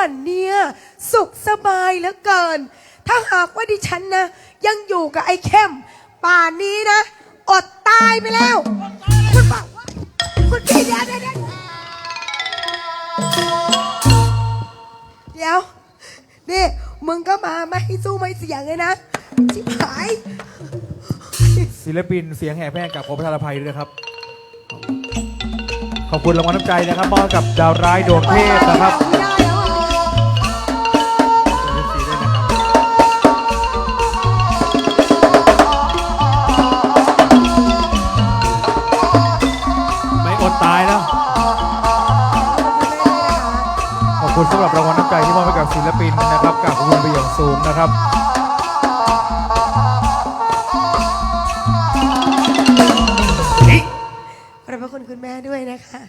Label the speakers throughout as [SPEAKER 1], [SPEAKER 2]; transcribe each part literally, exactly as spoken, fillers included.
[SPEAKER 1] วันเนี่ยสุขสบายเหลือเกินถ้าหากว่าดิฉันนะยังอยู่กับไอ้เข้มป่านนี้นะอดตายไปแล้วคุณบอกว่าคุณพี่เดี๋ยวเดี๋ยวเดี๋ยวนี่มึงก็มาไม่ให้สู้ไม่เสียงเลยนะชิบหาย
[SPEAKER 2] ศิลปินเสียงแห่แพร่กับขอประทานอภัยด้วยนะครับขอบคุณรางวัลน้ำใจนะครับมอบกับดาวร้ายดวงเทพนะครับไม่อดตายนะขอบคุณสำหรับรางวัลน้ำใจที่มอบให้กับศิลปินนะครับกับขอบคุณไปอย่างสูงนะครับ
[SPEAKER 1] ขอบพระคุณคุณแม่ด้วยนะคะ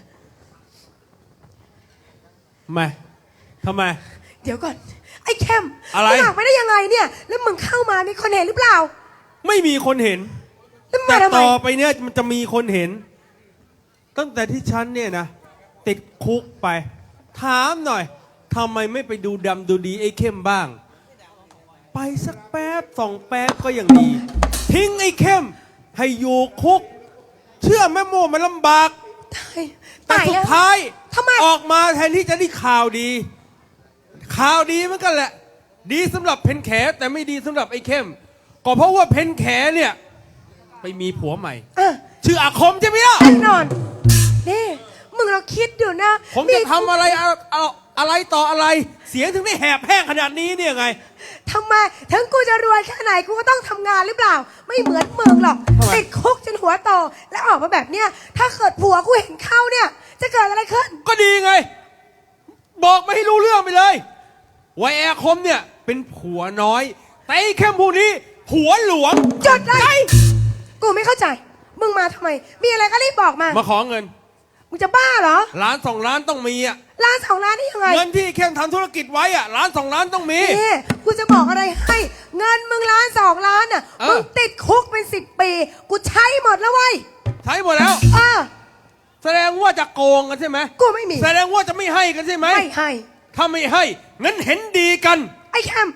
[SPEAKER 3] ทำไมทำไม
[SPEAKER 1] เดี๋ยวก่อนไอ้เข้ม
[SPEAKER 3] อะไร
[SPEAKER 1] มึงออกไปได้ยังไงเนี่ยแล้วมึงเข้ามามีคนเห็นหรือเปล่า
[SPEAKER 3] ไม่มีคนเห็นแต่ต่อไปเนี่ยมันจะมีคนเห็นตั้งแต่ที่ฉันเนี่ยนะติดคุกไปถามหน่อยทำไมไม่ไปดูดำดูดีไอ้เข้มบ้างไปสักแป๊บสองแป๊บก็ยังดีทิ้งไอ้เข้มให้อยู่คุกเชื่อแม่โมมันลำบากแต่สุดท้ายออกมาแทนที่จะได้ข่าวดีข่าวดีเหมือนกันแหละดีสำหรับเพนแขแต่ไม่ดีสำหรับไอ้เข้มก็เพราะว่าเพนแขเนี่ยไปมีผัวใหม่ชื่ออาคมใช่ไหมล่ะ
[SPEAKER 1] แน่นอนนี่มึงเราคิดอยู่นะ
[SPEAKER 3] ผมจะทำอะไรเอาอะไรต่ออะไรเสียงถึงได้แหบแห้งขนาดนี้เนี่ยไง
[SPEAKER 1] ทำไมถึงกูจะรวยแค่ไหนกูก็ต้องทำงานหรือเปล่าไม่เหมือนมึงหรอกติดคุกจนหัวโตแล้วออกมาแบบเนี้ยถ้าเกิดผัวกูเห็นเข้าเนี่ยจะเกิดอะไรขึ้น
[SPEAKER 3] ก็ดีไงบอกไม่ให้รู้เรื่องไปเลยว่าแอร์คมเนี่ยเป็นผัวน้อยแต่ไอ้เข้มผู้นี้ผัวหลวง
[SPEAKER 1] จดเลยกูไม่เข้าใจมึงมาทำไมมีอะไรก็รีบบอกมา
[SPEAKER 3] มาขอเงิน
[SPEAKER 1] มึงจะบ้าเหรอ
[SPEAKER 3] ล้านสองล้านต้องมีอ่ะ
[SPEAKER 1] ล้านสองล้านนี่ยังไง
[SPEAKER 3] เงินที่เข้มทำธุรกิจไว้อ่ะล้านสองล้านต้องมี
[SPEAKER 1] นี่กูจะบอกอะไรให้เงินมึงล้านสองล้านอ่ะมึงติดคุกเป็นสิบปีกูใช้หมดแล้วเว้ย
[SPEAKER 3] ใช้หมดแล้ว
[SPEAKER 1] อ่า
[SPEAKER 3] แสดงว่าจะโกงกันใช่ไหม
[SPEAKER 1] กูไม่มี
[SPEAKER 3] แสดงว่าจะไม่ให้กันใช่ไหม
[SPEAKER 1] ไม่ให้
[SPEAKER 3] ถ้าไม่ให้งั้นเห็นดีกัน
[SPEAKER 1] ไอ้แคม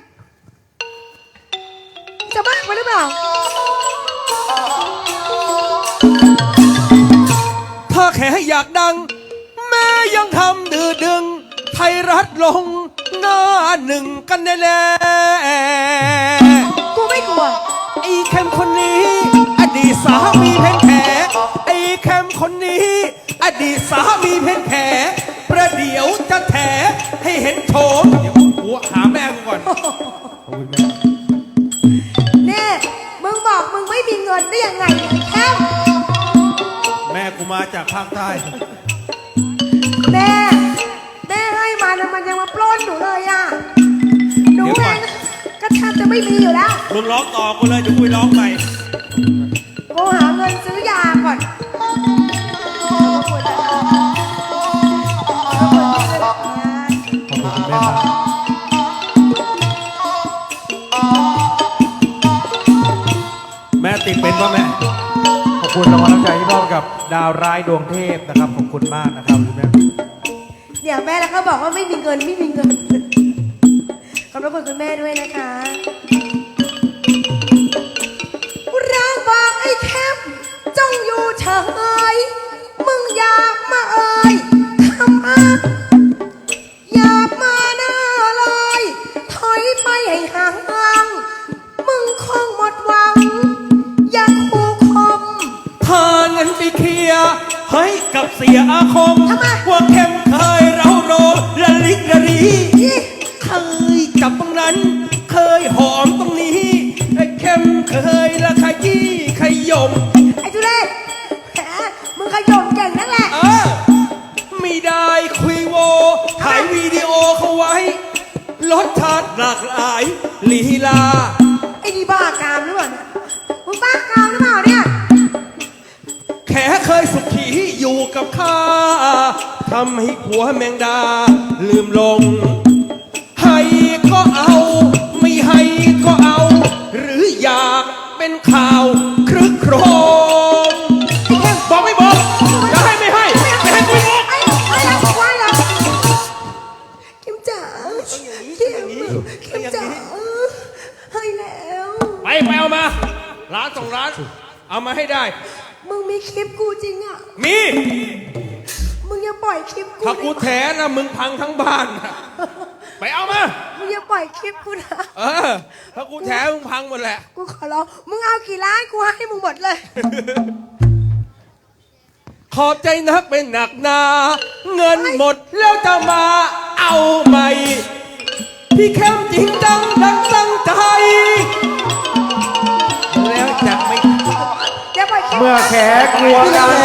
[SPEAKER 1] จะบ้าไปหรือเปล่า
[SPEAKER 3] ถ้าแค่อยากดังแม่ยังทำดื้อดึงไทยรัฐลงหน้าหนึ่งกันแน่
[SPEAKER 1] ๆกูไม่กลัว
[SPEAKER 3] ไอ้แคมคนนี้อดีตสามีเพนแขไอ้แคมคนนี้อดีตสามีเพนแขประเดี๋ยวจะแถให้เห็นโฉมเดี๋ยวกูหาแม่กูก่อน
[SPEAKER 1] เน่มึงบอกมึงไม่มีเงินได้ยังไงแคม
[SPEAKER 3] แม่กูมาจากภาคใต้
[SPEAKER 1] แม่แม่ให้มาแล้วมันยังมาปล้นหนูเลยอ่ะหนูเองก็แทบจะไม่มีอยู่แล้ว
[SPEAKER 3] มึงร้องต่อกูเลยเดี๋ยวกูร้องใหม่
[SPEAKER 1] กูหาเงินซื้อยาก่อน
[SPEAKER 3] แม่ติดเป็นป่ะแม่
[SPEAKER 2] ขอบคุณรางวัลน้ำใจที่มอบกับดาวร้ายดวงเทพนะครับขอบคุณมากนะครับคุณแม่
[SPEAKER 1] เดี๋ยวแม่แล้วเขาบอกว่าไม่มีเงินไม่มีเงินขอบคุณคุณแม่ด้วยนะคะเราบอกไอ้แคมจงอยู่เฉยมึงอย่ามาเอ่ยทำมาอย่ามาหน้าเลยถอยไปให้ห่างมึงคงหมดหวังอย่าคู่คม
[SPEAKER 3] พาเงินไปเคลียร์ให้กับเสียอาคมว่าเข้มเคยเราโรละลิกละลีเคยจับตรงนั้นเคยหอมตรงนี้ไอ้เข้มเคยละขยี้ขยม
[SPEAKER 1] ไอ้ทุเรศแหมมึงขยมเก่งนั่นแหละ
[SPEAKER 3] เออไม่ได้คุยโวถ่ายวิดีโอเขาไว้รสชาติหลากหลายลีลา
[SPEAKER 1] ไอ้นี่บ้ากามหรือเปล่ามึงบ้ากามหรือเปล่าเนี่ย
[SPEAKER 3] แค่เคยสุขีอยู่กับข้าทำให้ผัวแมงดาลืมลงให้ก็เอาไม่ให้ก็เอาหรืออยากเป็นข่าวครึกโครมบอกไม่บอกจะให้ไม่ให้ไม่ให้ไม่บอก
[SPEAKER 1] ไอ้ไอ้ไอ้ไอ้ไอ้ไอ้กิมจ๋าเข้มเข้มจ๋าให้แล้ว
[SPEAKER 3] ไปไปเอามา ร้านสองร้าน เอามาให้ได้
[SPEAKER 1] มึงมีคลิปกูจริงอ่ะ
[SPEAKER 3] มี
[SPEAKER 1] มึงอย่าปล่อยคลิปกู
[SPEAKER 3] ถ้ากู
[SPEAKER 1] นะ
[SPEAKER 3] แถนะมึงพังทั้งบ้านนะไปเอามา
[SPEAKER 1] มึงอย่าปล่อยคลิปกูนะ
[SPEAKER 3] เออ ถ้ากูแถมึงพังหมดแหละ
[SPEAKER 1] กูขอร้องมึงเอากี่ล้านกูให้มึงหมดเลย
[SPEAKER 3] ขอบใจนักเป็นหนักหนา เงินหมดแล้วจะมาเอาใหม่ พี่เข้มจริงจังดังตั้งใจ แล้วจะไม่
[SPEAKER 1] อย่าปล่อยคลิป
[SPEAKER 2] เมื่อแขกกลัวกัน